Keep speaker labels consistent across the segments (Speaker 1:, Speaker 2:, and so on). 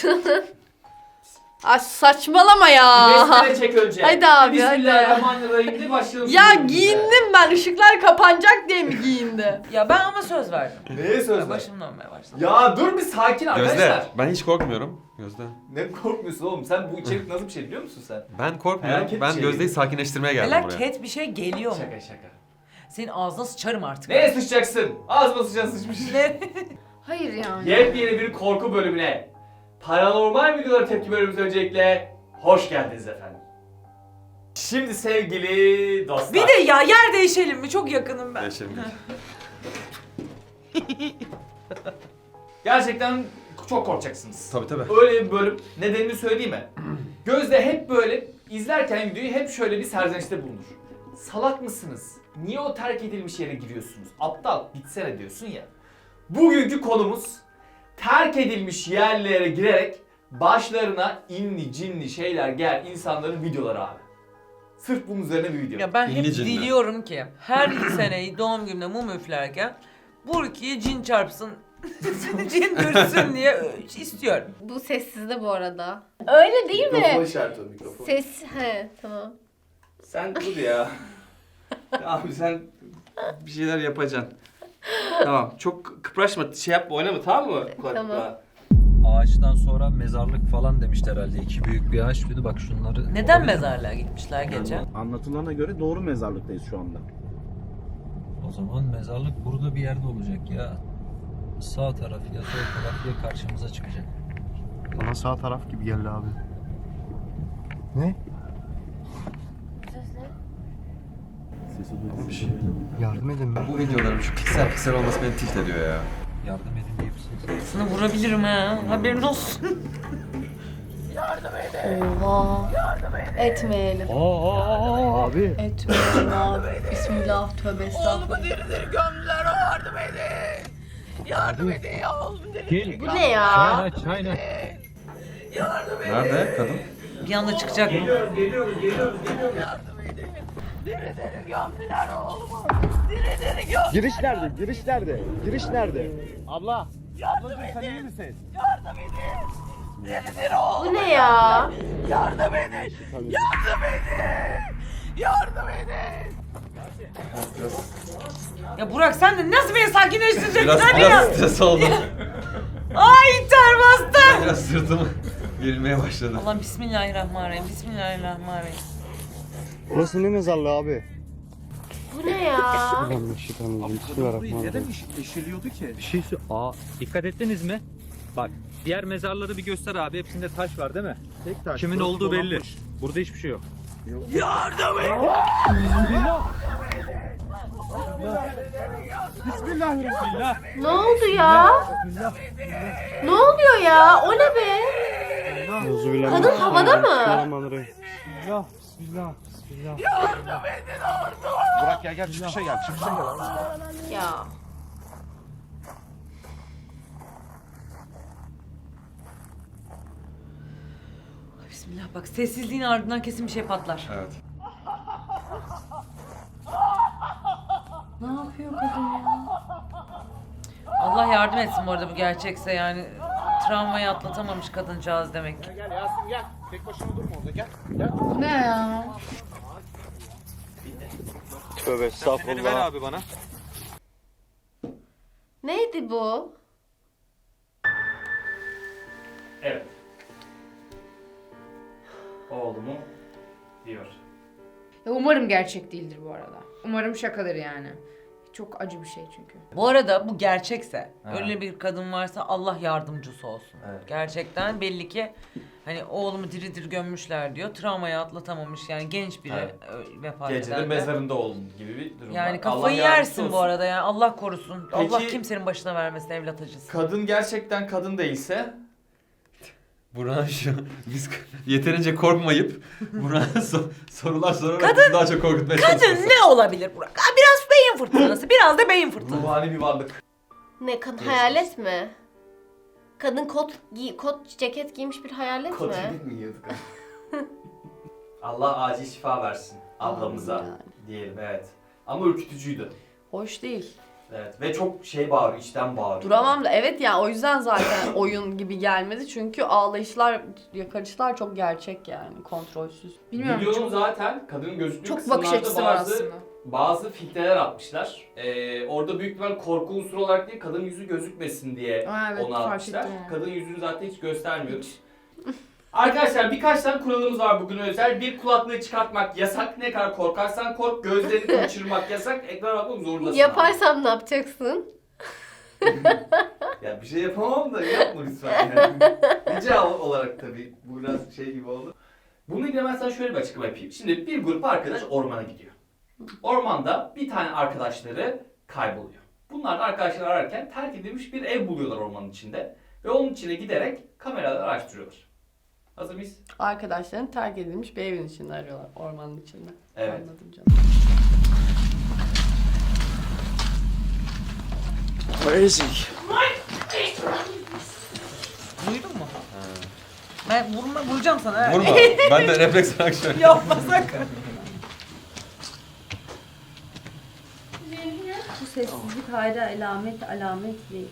Speaker 1: Ay saçmalama ya.
Speaker 2: Besmele çek önce.
Speaker 1: Hadi abi, hadi.
Speaker 2: Bismillahirrahmanirrahim de başlayalım.
Speaker 1: Ya
Speaker 2: şimdi.
Speaker 1: giyindim ben. Işıklar kapanacak diye mi giyindi?
Speaker 3: Ya ben ama söz verdim.
Speaker 2: Neye söz ver?
Speaker 3: Başım dönmeye başladı.
Speaker 2: Ya dur bir sakin arkadaşlar.
Speaker 4: Gözde, ben hiç korkmuyorum. Gözde.
Speaker 2: Ne korkmuyorsun oğlum? Sen bu içerik nasıl bir şey biliyor musun sen?
Speaker 4: Ben korkmuyorum.
Speaker 2: Felaket
Speaker 4: Ben
Speaker 2: şey.
Speaker 4: Gözde'yi sakinleştirmeye geldim buraya.
Speaker 3: Felaket bir şey geliyor mu?
Speaker 2: Şaka şaka.
Speaker 3: Senin ağzına sıçarım artık.
Speaker 2: Neye sıçacaksın? Ağzıma sıçan sıçmış.
Speaker 3: Ne?
Speaker 1: Hayır yani.
Speaker 2: Yepyeni bir korku bölümüne, paranormal videolara tepki bölümümüze öncelikle hoş geldiniz efendim. Şimdi sevgili dostlar.
Speaker 3: Bir de ya yer değişelim mi? Çok yakınım ben.
Speaker 4: Yaşarım.
Speaker 2: Gerçekten çok korkacaksınız.
Speaker 4: Tabii tabii.
Speaker 2: Öyle bir bölüm. Nedenini söyleyeyim mi? Gözde hep böyle izlerken videoyu hep şöyle bir serzenişte bulunur. Salak mısınız? Niye o terk edilmiş yere giriyorsunuz? Aptal, gitsene diyorsun ya. Bugünkü konumuz terk edilmiş yerlere girerek başlarına inli cinli şeyler gel insanların videoları abi. Sırf bunun üzerine bir video.
Speaker 3: Ya ben hep
Speaker 4: İngilizce mi?
Speaker 3: diliyorum ki her seneyi doğum günümde mum üflerken Burki'ye cin çarpsın, cin görsün diye istiyorum.
Speaker 1: Bu sessizde bu arada. Öyle değil
Speaker 5: Mikrofon
Speaker 1: mi?
Speaker 5: işareti o mikrofon.
Speaker 1: Ses, he tamam.
Speaker 5: Sen dur ya. Abi sen bir şeyler yapacaksın. Tamam, çok kıpraşma, şey yapma, oynama, tamam mı?
Speaker 1: Tamam.
Speaker 6: Ağaçtan sonra mezarlık falan demişler herhalde. İki büyük bir ağaç. Bir de bak şunları...
Speaker 3: Neden mezarlığa gitmişler gece?
Speaker 7: Anlatılana göre doğru mezarlıktayız şu anda.
Speaker 6: O zaman mezarlık burada bir yerde olacak ya. Sağ taraf ya sol taraf ya karşımıza çıkacak.
Speaker 7: Bana sağ taraf gibi geldi abi. Ne? Sesi duydum. Yardım edin be.
Speaker 4: Bu videoların şu piksel olması beni tilt ediyor ya.
Speaker 6: Yardım edin diye bir ses.
Speaker 3: Sana vurabilirim ha. Haberin olsun.
Speaker 1: Oha. Etmeyelim.
Speaker 7: Abi.
Speaker 1: Etmeyelim abi. Bismillah, tövbe estağfurullah.
Speaker 6: Gel.
Speaker 1: Bu ne ya?
Speaker 6: Çayna.
Speaker 4: Nerede kadın?
Speaker 3: Bir anda çıkacak mı?
Speaker 7: Giriş nerede? Giriş nerede? Giriş nerede? Abla. Ablacığım sen iyi misin?
Speaker 1: Bu ne ya?
Speaker 3: Ya Burak sen de nasıl beni sakinleştireceksin
Speaker 4: Biraz,
Speaker 3: hadi ya?
Speaker 4: biraz stres oldum.
Speaker 3: Ay ter bastı.
Speaker 4: Biraz sırtım gerilmeye başladı.
Speaker 3: Allah bismillahirrahmanirrahim. Bismillahirrahmanirrahim.
Speaker 7: Burası ne mezarlığı abi?
Speaker 1: Bu ne ya?
Speaker 7: Bismillahirrahmanirrahim.
Speaker 5: eşiliyordu ki?
Speaker 6: Bir şey dikkat ettiniz mi? Bak diğer mezarları bir göster abi. Hepsinde taş var değil mi?
Speaker 7: Tek taş.
Speaker 6: Kimin
Speaker 7: burası
Speaker 6: olduğu belli.
Speaker 7: dolanmış.
Speaker 6: Burada hiçbir şey yok.
Speaker 1: Ne oldu ya? Ne oluyor ya? O ne be? Kadın havada mı?
Speaker 7: Bismillahirrahmanirrahim. Bismillah. Burak gel çıkışa gel. Çıkışa gel abi.
Speaker 1: Ya.
Speaker 3: Bismillah bak sessizliğin ardından kesin bir şey patlar.
Speaker 4: Evet.
Speaker 3: Ne yapıyor kadın ya? Allah yardım etsin bu arada bu gerçekse yani travmayı atlatamamış kadıncağız demek ki.
Speaker 7: Gel Yasin gel. Tek başına durma orada gel.
Speaker 1: Bu ne ya?
Speaker 7: Tövbe
Speaker 6: Beni ver abi bana.
Speaker 1: Neydi bu?
Speaker 2: Evet. Oğlumu diyor.
Speaker 8: Ya umarım gerçek değildir bu arada. Umarım şakadır yani. Çok acı bir şey çünkü.
Speaker 3: Bu arada bu gerçekse
Speaker 2: Ha.
Speaker 3: öyle bir kadın varsa Allah yardımcısı olsun.
Speaker 2: Evet.
Speaker 3: Gerçekten belli ki hani oğlumu diri diri gömmüşler diyor. Travmayı atlatamamış yani genç biri
Speaker 2: Evet.
Speaker 3: vefat
Speaker 2: Gecede
Speaker 3: eder de.
Speaker 2: mezarında oldum gibi bir durum var.
Speaker 3: Yani
Speaker 2: Allah
Speaker 3: kafayı
Speaker 2: yardımcısı
Speaker 3: yersin bu
Speaker 2: olsun.
Speaker 3: arada yani Allah korusun.
Speaker 2: Peki-
Speaker 3: Allah kimsenin başına vermesin evlat acısı.
Speaker 2: Kadın gerçekten kadın değilse
Speaker 4: Burak'ın şu biz yeterince korkmayıp Burak'a sorular sorarak bizi daha çok korkutmaya çalışıyoruz.
Speaker 3: Kadın ne olabilir Burak? Ha, biraz beyin fırtınası, biraz da beyin fırtınası.
Speaker 2: ruhani bir varlık.
Speaker 1: Ne kadın hayalet mi? Kadın kot ceket giymiş bir hayalet mi?
Speaker 2: Kotilik mi yiyorduk? Allah acil şifa versin ablamıza
Speaker 8: Amin yani.
Speaker 2: diyelim evet. Ama ürkütücüydü.
Speaker 8: Hoş değil.
Speaker 2: Evet ve çok şey bağırıyor, içten bağırıyor.
Speaker 1: Duramam da evet ya, o yüzden zaten oyun gibi gelmedi. Çünkü ağlayışlar, yakarışlar çok gerçek yani, kontrolsüz.
Speaker 8: Bilmiyorum.
Speaker 2: Videonun
Speaker 8: Çok,
Speaker 2: zaten kadının gözüktüğü
Speaker 8: çok bakış açısı
Speaker 2: kısımlarda
Speaker 8: var aslında.
Speaker 2: bazı filtreler atmışlar. Orada büyük ihtimal korku unsuru olarak değil, kadın yüzü gözükmesin diye
Speaker 8: Aa, evet,
Speaker 2: onu
Speaker 8: fark
Speaker 2: atmışlar.
Speaker 8: ettim onu.
Speaker 2: Kadın yüzünü zaten hiç göstermiyoruz. Arkadaşlar birkaç tane kuralımız var bugün özel. Bir, kulaklığı çıkartmak yasak. Ne kadar korkarsan kork. Gözlerini kaçırmak yasak. Ekrana bakmak zorundasın.
Speaker 1: Yaparsam ne yapacaksın?
Speaker 2: Ya bir şey yapamam da yapma lütfen yani. Rica olarak tabii. Bu biraz şey gibi oldu. Bununla ilgili ben sana şöyle bir açıklama yapayım. Şimdi bir grup arkadaş ormana gidiyor. Ormanda bir tane arkadaşları kayboluyor. Bunlar da arkadaşlar ararken terk edilmiş bir ev buluyorlar ormanın içinde. Ve onun içine giderek kameraları araştırıyorlar. Hazır mıyız?
Speaker 1: Arkadaşların terk edilmiş bir evin içinde arıyorlar, ormanın içinde.
Speaker 2: Evet.
Speaker 1: Anladım canım.
Speaker 7: Where is he?
Speaker 3: Duydun mu? Ben vuracağım sana. Evet.
Speaker 4: Vurma. Ben de refleks olarak şöyle.
Speaker 3: Yapma sakın.
Speaker 1: Bu sessizlik hayra alamet değil.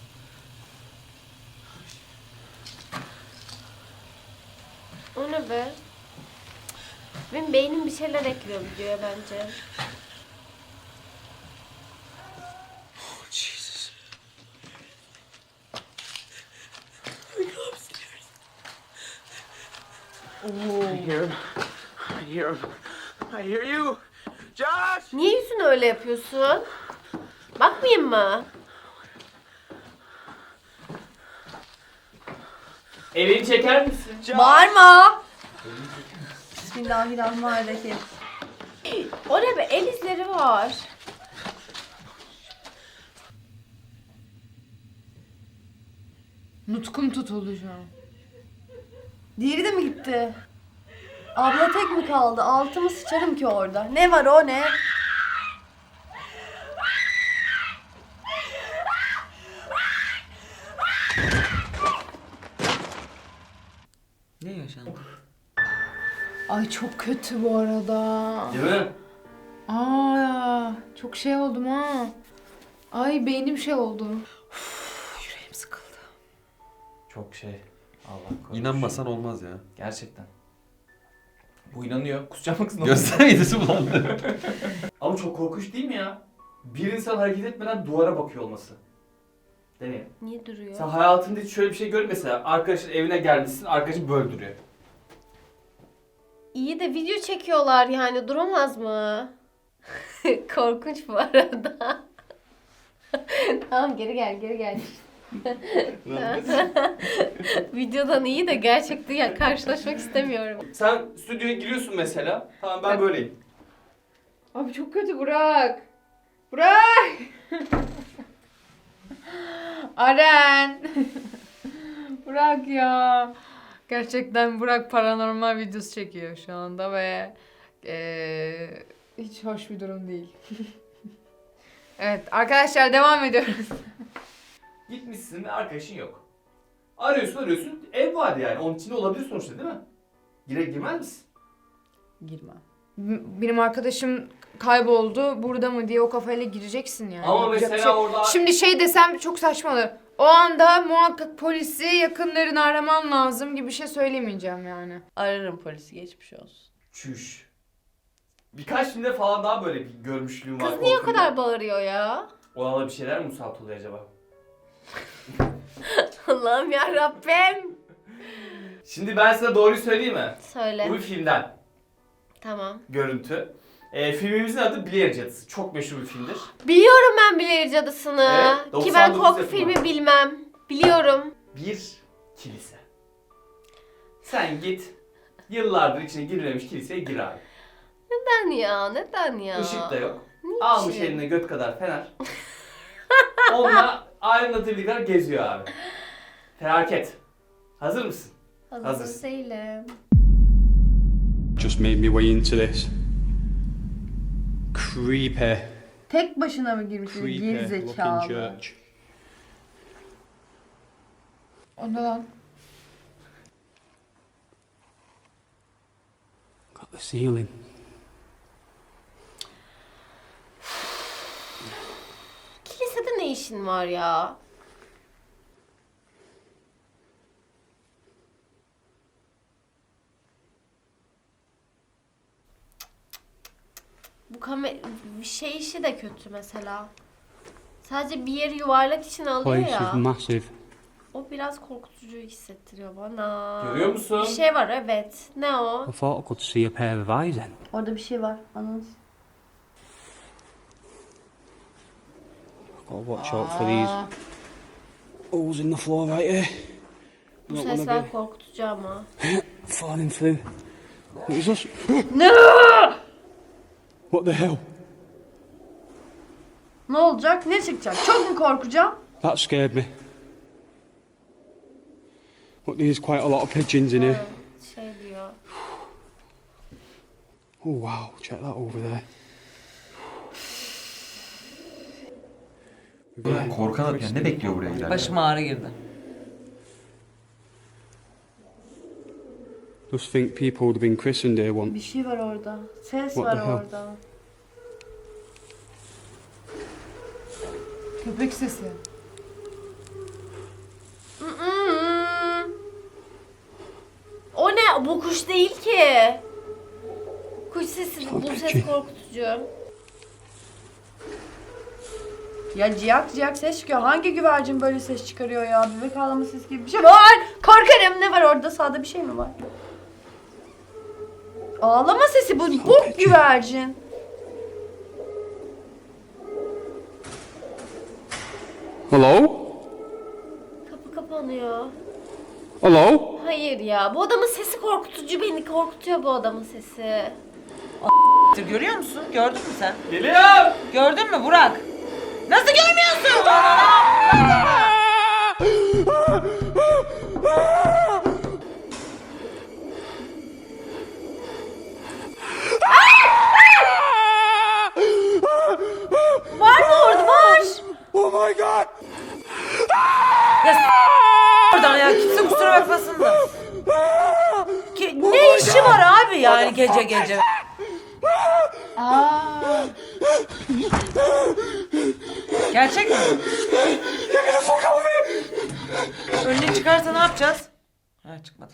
Speaker 1: O ne be? Benim beynim bir şeyler ekliyor videoya bence.
Speaker 7: I hear him. I hear him. I hear you. Josh!
Speaker 1: Niye yüzünü öyle yapıyorsun? Bakmayayım mı?
Speaker 2: Elini çeker misin?
Speaker 1: Bağırma! Bismillahirrahmanirrahim. O ne be? El izleri var.
Speaker 8: Nutkum tutuldu şu an.
Speaker 1: Diğeri de mi gitti? Abla tek mi kaldı? Altımı sıçarım ki orada. Ne var o ne?
Speaker 3: Ne yaşandı?
Speaker 8: Ay çok kötü bu arada.
Speaker 2: Değil mi?
Speaker 8: Aa, çok şey oldum ha. Ay beynim şey oldu.
Speaker 3: Yüreğim sıkıldı.
Speaker 2: Çok şey. Allah korusun.
Speaker 4: İnanmasan olmaz ya.
Speaker 2: Gerçekten. Bu inanıyor. Kusacak mısın?
Speaker 4: Gözler yedisi bulandı.
Speaker 2: Ama çok korkunç değil mi ya? Bir insan hareket etmeden duvara bakıyor olması. Deneyelim.
Speaker 1: Niye duruyor?
Speaker 2: Sen hayatında hiç şöyle bir şey görmedin mesela. Arkadaşın evine gelmişsin, arkadaşın böyle duruyor.
Speaker 1: İyi de video çekiyorlar yani, duramaz mı? Korkunç bu arada. Tamam, geri gel. Videodan iyi de gerçekten ya, karşılaşmak istemiyorum.
Speaker 2: Sen stüdyoya giriyorsun mesela. Tamam ben böyleyim.
Speaker 8: Abi çok kötü Burak. Burak! Aren! Burak ya. Gerçekten Burak paranormal videosu çekiyor şu anda ve hiç hoş bir durum değil. Evet arkadaşlar devam ediyoruz.
Speaker 2: Gitmişsin ve arkadaşın yok. Arıyorsun. Ev var yani. Onun içinde olabilir sonuçta değil mi? Girmez misin?
Speaker 8: Girmem. Benim arkadaşım kayboldu. Burada mı diye o kafayla gireceksin yani.
Speaker 2: Ama
Speaker 8: Yapacak
Speaker 2: mesela
Speaker 8: bir şey-
Speaker 2: orada...
Speaker 8: Şimdi şey desem çok saçma olur. O anda muhakkak polisi, yakınlarını araman lazım gibi bir şey söylemeyeceğim yani.
Speaker 1: Ararım polisi, geçmiş olsun.
Speaker 2: Çüş. Birkaç filmde falan daha böyle bir görmüşlüğüm var.
Speaker 1: Kız niye o
Speaker 2: korkunç.
Speaker 1: kadar bağırıyor ya?
Speaker 2: Ona da bir şeyler mi musallat oluyor acaba?
Speaker 1: Allah'ım ya Rabbim.
Speaker 2: Şimdi ben size doğruyu söyleyeyim mi?
Speaker 1: Söyle.
Speaker 2: Bu bir filmden
Speaker 1: Tamam.
Speaker 2: görüntü. Filmimizin adı Blair Cadısı. Çok meşhur bir filmdir.
Speaker 1: Biliyorum ben Blair Cadısı'nı.
Speaker 2: Evet,
Speaker 1: Ki ben
Speaker 2: 99
Speaker 1: korku
Speaker 2: yapımı.
Speaker 1: filmi bilmem. Biliyorum.
Speaker 2: Bir kilise. Sen git yıllardır içine girilmemiş kiliseye gir abi.
Speaker 1: Neden ya? Neden ya?
Speaker 2: Işık da yok.
Speaker 1: Niçin?
Speaker 2: Almış eline göt kadar fener. Onunla aydınlatıcı kadar geziyor abi. Felaket. Hazır mısın?
Speaker 1: Hazır
Speaker 2: Hazırsın.
Speaker 1: değilim.
Speaker 9: Just made me way into this. Creepy,
Speaker 1: Tek başına mı girmiş?
Speaker 9: creepy looking church.
Speaker 8: O ne lan?
Speaker 9: Got the ceiling.
Speaker 1: işin var ya? Bu şey işi de kötü mesela. Sadece bir yeri yuvarlak için alıyor
Speaker 9: Place is
Speaker 1: ya.
Speaker 9: massive.
Speaker 1: O biraz korkutucu hissettiriyor bana.
Speaker 2: Görüyor musun?
Speaker 1: Bir şey var evet. Ne o?
Speaker 9: I thought I could see a pair of eyes then.
Speaker 1: Orada bir şey var. Anladın.
Speaker 9: Gotta watch out for these holes in the floor right here.
Speaker 1: Bu
Speaker 9: Not gonna
Speaker 1: sesler
Speaker 9: be
Speaker 1: korkutucu ama.
Speaker 9: falling through. What is this?
Speaker 1: Ne?
Speaker 9: What the hell?
Speaker 8: Ne olacak? Ne çıkacak? Çok mu korkacağım?
Speaker 9: That scared me. Look, there's quite a lot of pigeons in here.
Speaker 1: Şey diyor.
Speaker 9: Oh wow, check that over there.
Speaker 4: Korkan yani ne bekliyor buraya giderken?
Speaker 3: Başıma ağrı girdi.
Speaker 9: Just think people would have been christened here once.
Speaker 1: Bir şey var orada. Ses
Speaker 9: What
Speaker 1: var
Speaker 9: the hell?
Speaker 1: orada.
Speaker 8: Köpek sesi.
Speaker 1: O ne? Bu kuş değil ki. Kuş sesi. Bu ses korkutucu.
Speaker 8: Ya ciyak ciyak ses çıkıyor. Hangi güvercin böyle ses çıkarıyor ya? Bebek ağlama sesi gibi bir şey var. Korkarım. Ne var orada? Sağda bir şey mi var? Ağlama sesi bu. Bu güvercin.
Speaker 9: Hello?
Speaker 1: Kapı kapanıyor.
Speaker 9: Hello?
Speaker 1: Hayır ya. Bu adamın sesi korkutucu. Beni korkutuyor bu adamın sesi.
Speaker 3: Görüyor musun? Gördün mü sen?
Speaker 2: Geliyorum.
Speaker 3: Gördün mü Burak? Nasıl görmüyorsun?
Speaker 1: Var mı orada? Var.
Speaker 9: Oh my god!
Speaker 3: Oradan ya kimse kusura bakmasın da. Ne işi var abi yani gece gece?
Speaker 8: Aa.
Speaker 3: Gerçek mi? Önüne çıkarsa ne yapacağız? Ha çıkmadı.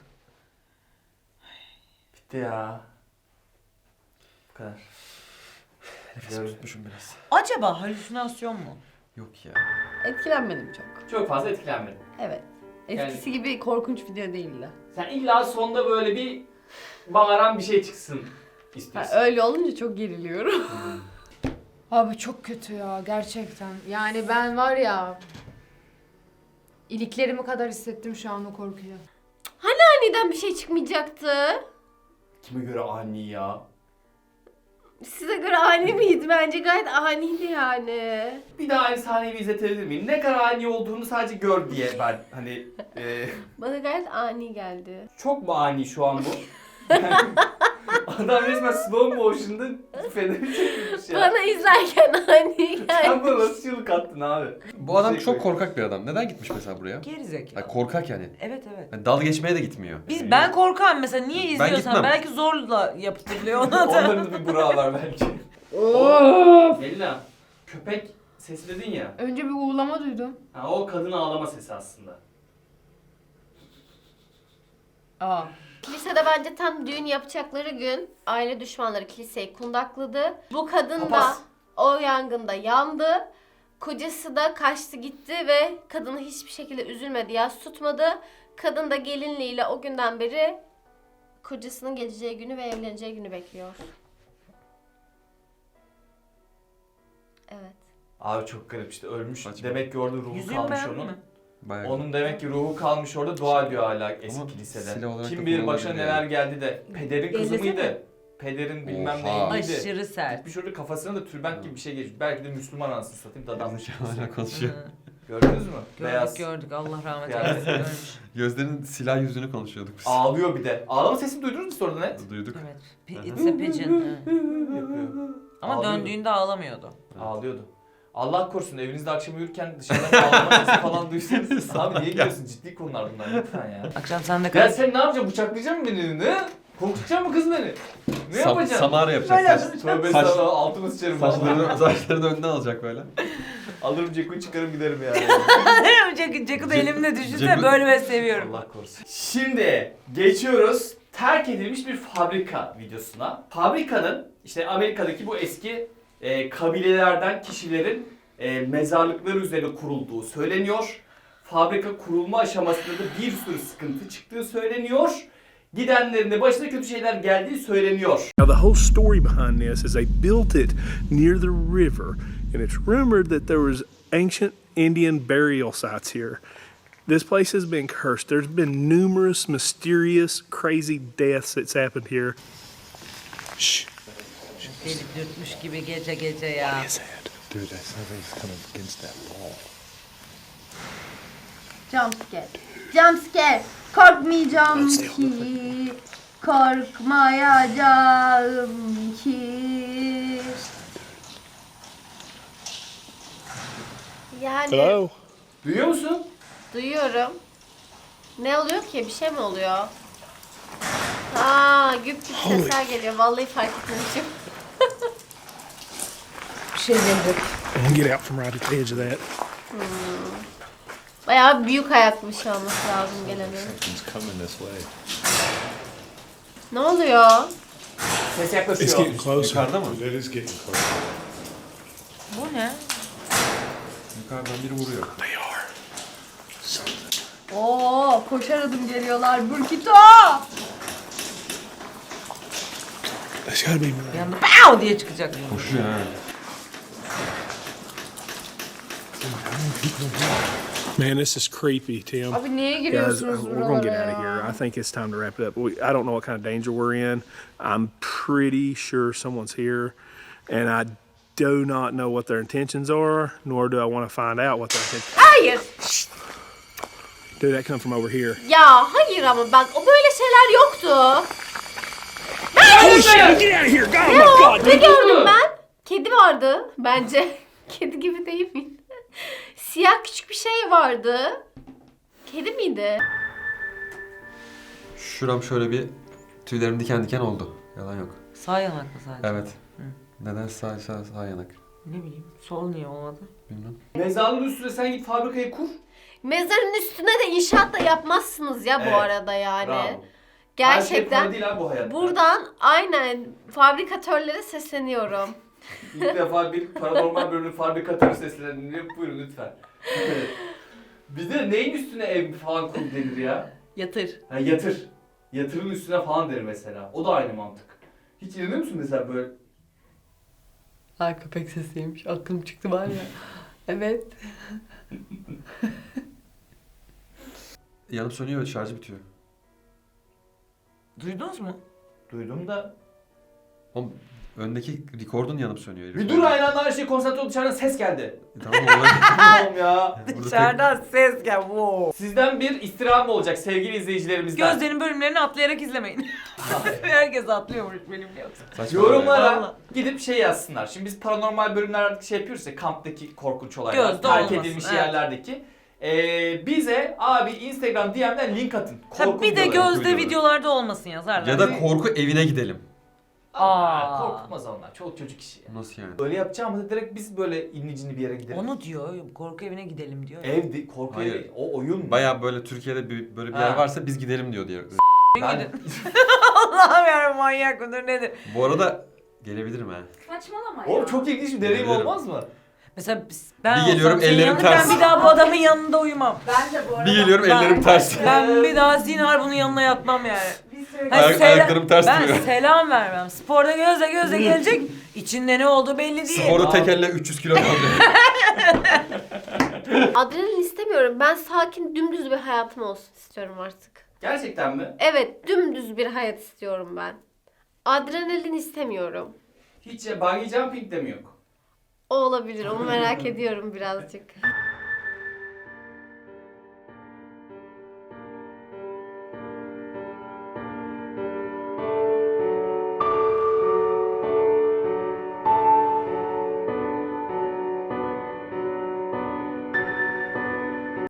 Speaker 2: Bitti ya. Bu kadar.
Speaker 4: Nefesimi tutmuşum biraz.
Speaker 3: Acaba halüsinasyon mu?
Speaker 4: Yok ya.
Speaker 8: Etkilenmedim çok.
Speaker 2: Çok fazla etkilenmedim.
Speaker 8: Evet. Eskisi gibi korkunç video değildi.
Speaker 2: Sen illa sonda böyle bir bağıran bir şey çıksın
Speaker 8: Ha,
Speaker 2: istiyorsun.
Speaker 8: öyle olunca çok geriliyorum. Abi çok kötü ya gerçekten. Yani ben var ya iliklerimi kadar hissettim şu an o korkuyu.
Speaker 1: Aniden bir şey çıkmayacaktı.
Speaker 2: Kime göre ani ya?
Speaker 1: Size göre ani miydi? Bence gayet aniydi yani.
Speaker 2: Bir daha aynı sahneyi bir izletebilir miyim? Ne kadar ani olduğunu sadece gör diye ben hani
Speaker 1: Bana gayet ani geldi.
Speaker 2: çok mu ani şu an bu? Yani, adam resmen slow motion'da feneri çekmiş ya.
Speaker 1: Bana izlerken ani geldi.
Speaker 2: Sen bana nasıl çığlık attın abi?
Speaker 4: Bu adam
Speaker 2: Şey
Speaker 4: çok
Speaker 2: koy.
Speaker 4: korkak bir adam. Neden gitmiş mesela buraya?
Speaker 3: Gerizekalı.
Speaker 4: Yani korkak yani.
Speaker 3: Evet evet.
Speaker 4: Yani dalga geçmeye de gitmiyor.
Speaker 3: Ben korkam mesela niye
Speaker 4: Ben
Speaker 3: izliyorsan
Speaker 4: gitmem.
Speaker 3: belki zorla yaptırılıyor ona da.
Speaker 2: Onların da bir burağı var belki. Melina, köpek sesi dedin ya.
Speaker 8: Önce bir uğulama duydum.
Speaker 2: Ha, o kadın ağlama sesi aslında.
Speaker 8: Aa.
Speaker 1: Kilisede bence tam düğün yapacakları gün aile düşmanları kiliseyi kundakladı. Bu kadın da
Speaker 2: Papaz.
Speaker 1: o yangında yandı. Kocası da kaçtı gitti ve kadını hiçbir şekilde üzülmedi, yas tutmadı. Kadın da gelinliğiyle o günden beri kocasının geleceği günü ve evleneceği günü bekliyor. Evet.
Speaker 2: Abi çok garip işte ölmüş.
Speaker 4: Saçma.
Speaker 2: Demek ki orada ruhu
Speaker 3: Yüzüğümü
Speaker 2: kalmış
Speaker 3: beğendin
Speaker 2: onun.
Speaker 3: mi?
Speaker 4: Bayağı
Speaker 2: Onun demek ki ruhu kalmış orada dua ediyor hala eski
Speaker 4: Ama
Speaker 2: kilisede.
Speaker 4: silah olarak da
Speaker 2: Kim bilir başına
Speaker 4: kullanılabilir
Speaker 2: neler
Speaker 4: yani.
Speaker 2: geldi de. Pederin kızı
Speaker 3: Ellesene.
Speaker 2: mıydı? Pederin bilmem
Speaker 4: Oha.
Speaker 2: neyiydi.
Speaker 3: Aşırı sert.
Speaker 2: Gitmiş orada kafasına da tülbent gibi bir şey geçmiş. Belki de Müslüman anasını satayım dadanmış.
Speaker 4: Hala konuşuyor.
Speaker 3: Hı.
Speaker 2: Gördünüz mü?
Speaker 3: Gördük
Speaker 2: Beyaz.
Speaker 3: gördük Allah rahmet
Speaker 2: Beyaz.
Speaker 3: eylesin görmüş.
Speaker 4: Gözlerinin silah yüzünü konuşuyorduk biz.
Speaker 2: Ağlıyor bir de. Ağlama sesini duydunuz mu sonradan net?
Speaker 4: Duyduk.
Speaker 3: Evet. It's a pigeon. Hı.
Speaker 2: Yapıyor.
Speaker 3: Ama
Speaker 2: Ağlıyordu.
Speaker 3: döndüğünde ağlamıyordu.
Speaker 2: Ağlıyordu. Allah korusun evinizde akşam uyurken dışarıdan ağlama sesi falan duysanız. Abi niye gülüyorsun? Ciddi konular bunlar lütfen ya.
Speaker 3: Akşam sen de
Speaker 2: Ya
Speaker 3: kal.
Speaker 2: sen ne yapacaksın? Bıçaklayacak mısın beni? Ne? Korkutacak mı kız beni? Ne yapacaksın?
Speaker 4: Samara yapacak.
Speaker 2: Tövbe
Speaker 4: Saç-
Speaker 2: estağfurullah altımı sıçarım. vallahi.
Speaker 4: Saçlarını önüne alacak böyle.
Speaker 5: Alırım Ceku'yu çıkarım giderim yani.
Speaker 3: Ceku da elimde düşünsene
Speaker 4: Ceku-
Speaker 3: böyle ben seviyorum.
Speaker 2: Allah korusun. Şimdi geçiyoruz terk edilmiş bir fabrika videosuna. Fabrikanın işte Amerika'daki bu eski kabilelerden kişilerin mezarlıkları üzerine kurulduğu söyleniyor. Fabrika kurulma aşamasında da bir sürü sıkıntı çıktığı söyleniyor. Gidenlerin de başına kötü şeyler geldiği söyleniyor.
Speaker 10: Now, the whole story behind this is they built it near the river, and it's rumored that there was ancient Indian burial sites here. This place has been cursed. There's been numerous mysterious, crazy deaths that's happened here. Shh.
Speaker 3: Delip dürtmüş gibi gece gece ya.
Speaker 10: What is that? Dude, that something's coming against that wall.
Speaker 8: Jump scare. Jump scare. Korkmayacağım ki. Korkmayacağım ki.
Speaker 1: Yani
Speaker 10: Hello?
Speaker 2: Duyuyor musun?
Speaker 1: duyuyorum. Ne oluyor ki? Bir şey mi oluyor? Aa, güp güp sesler geliyor. Vallahi fark etmemişim.
Speaker 3: Bir şey gelecek.
Speaker 10: I'm gonna get out from right at the edge of that.
Speaker 1: Bayağı büyük ayakmış olması lazım gelenin.
Speaker 6: Something's coming this way.
Speaker 1: Ne oluyor?
Speaker 2: Ses
Speaker 10: It's
Speaker 2: yaklaşıyor.
Speaker 10: getting closer.
Speaker 4: Yukarıda mı?
Speaker 10: It is getting closer.
Speaker 3: Bu ne?
Speaker 4: Yukarıdan biri vuruyor.
Speaker 10: They are.
Speaker 8: Oo, koşar adım geliyorlar. Burkito!
Speaker 10: There's gotta be
Speaker 3: Bir
Speaker 10: more.
Speaker 3: anda pow diye çıkacak.
Speaker 4: Koşuyor ha.
Speaker 10: Man, this is creepy, Tim.
Speaker 8: Abi niye
Speaker 10: Guys,
Speaker 8: giriyorsunuz
Speaker 10: we're gonna get
Speaker 8: buralara
Speaker 10: out of here.
Speaker 8: ya?
Speaker 10: I think it's time to wrap it up. I don't know what kind of danger we're in. I'm pretty sure someone's here, and I do not know what their intentions are, nor do I want to find out what their intentions.
Speaker 1: Hayır.
Speaker 10: Dude, that come from over here.
Speaker 1: Ya hayır ama bak o böyle şeyler yoktu.
Speaker 10: Holy shit! Get out of here! God, oh
Speaker 1: Ne
Speaker 10: my
Speaker 1: o?
Speaker 10: God!
Speaker 1: Ne gördüm ben? Kedi vardı bence. Kedi gibi değil mi? Siyah küçük bir şey vardı. Kedi miydi?
Speaker 4: Şuram şöyle bir tüylerim diken diken oldu. Yalan yok.
Speaker 3: Sağ yanak mı sadece?
Speaker 4: Evet. Neden sağ yanak?
Speaker 3: Ne bileyim. Sol niye olmadı?
Speaker 4: Bilmem.
Speaker 2: Mezarlığın üstüne sen git fabrikayı kur.
Speaker 1: Mezarın üstüne de inşaat da yapmazsınız ya bu
Speaker 2: Evet,
Speaker 1: arada yani.
Speaker 2: Bravo. Her şey
Speaker 1: Gerçekten.
Speaker 2: kolay değil abi bu hayatta.
Speaker 1: Buradan aynen fabrikatörlere sesleniyorum.
Speaker 2: İlk defa bir paranormal bölümün fabrikatörü sesleniliyor. Buyurun lütfen. Bir de neyin üstüne ev falan kur denir ya?
Speaker 3: Yatır.
Speaker 2: Ha, yatır. Yatırın üstüne falan der mesela. O da aynı mantık. Hiç inanıyor musun mesela böyle?
Speaker 8: Ay köpek sesiymiş. Aklım çıktı var ya. Evet.
Speaker 4: Yanıp sönüyor ve şarjı bitiyor.
Speaker 3: Duydunuz mu?
Speaker 2: Duydum da.
Speaker 4: Oğlum öndeki rekordun yanıp sönüyor.
Speaker 2: Bir dur aynı anda her şey konsantre oldu dışarıdan ses geldi.
Speaker 4: Tamam olay.
Speaker 2: Tamam ya.
Speaker 3: Dışarıdan ses gel. Wow.
Speaker 2: Sizden bir istirham olacak sevgili izleyicilerimizden.
Speaker 3: Gözlerin bölümlerini atlayarak izlemeyin. Herkes atlıyormuş benimle yoksa.
Speaker 4: Saçma
Speaker 2: Yorumlara
Speaker 3: Vallahi.
Speaker 2: gidip şey yazsınlar. Şimdi biz paranormal bölümler artık şey yapıyoruz ya, kamptaki korkunç olaylar,
Speaker 3: Gözde
Speaker 2: terk
Speaker 3: olmasın,
Speaker 2: edilmiş
Speaker 3: evet.
Speaker 2: yerlerdeki. Bize abi Instagram DM'den link atın.
Speaker 3: Tabii bir de
Speaker 2: videoları.
Speaker 3: gözde videolarda olmasın yazarlar.
Speaker 4: Ya da korku evine gidelim.
Speaker 2: Aa, korkutmaz onlar. Çoluk çocuk işi.
Speaker 4: Nasıl yani?
Speaker 2: Öyle yapacağımızda direkt biz böyle inlicini bir yere gidelim.
Speaker 3: Onu diyor, korku evine gidelim diyor.
Speaker 2: Evde korku
Speaker 4: Hayır.
Speaker 2: evi, o oyun mu?
Speaker 4: Baya böyle Türkiye'de böyle bir
Speaker 2: Ha.
Speaker 4: yer varsa biz gidelim diyor diye.
Speaker 2: Ben...
Speaker 3: Allah'ım ya manyak mıdır nedir?
Speaker 4: Bu arada gelebilirim ha.
Speaker 8: Saçmalama
Speaker 2: Oğlum çok ilginç bir deneyim
Speaker 4: Gelebilirim.
Speaker 2: olmaz mı?
Speaker 3: Mesela ben
Speaker 4: Bir geliyorum,
Speaker 3: olsam senin
Speaker 4: ellerim
Speaker 3: yanında
Speaker 4: ters.
Speaker 3: Ben bir daha bu adamın yanında uyumam.
Speaker 8: Ben de bu arada.
Speaker 4: Bir geliyorum ellerim ters.
Speaker 3: Ben bir daha zinhar bunun yanına yatmam yani.
Speaker 4: Ayaklarım ters
Speaker 3: ben
Speaker 4: duruyor.
Speaker 3: selam vermem. Sporda göze gelecek. İçinde ne olduğu belli değil.
Speaker 4: Sporda tek elle 300 kilo kaldı.
Speaker 1: Adrenalin istemiyorum. Ben sakin, dümdüz bir hayatım olsun istiyorum artık.
Speaker 2: Gerçekten mi?
Speaker 1: Evet, dümdüz bir hayat istiyorum ben. Adrenalin istemiyorum.
Speaker 2: Hiç bungee jumping de mi yok?
Speaker 1: O olabilir. Onu merak ediyorum birazcık.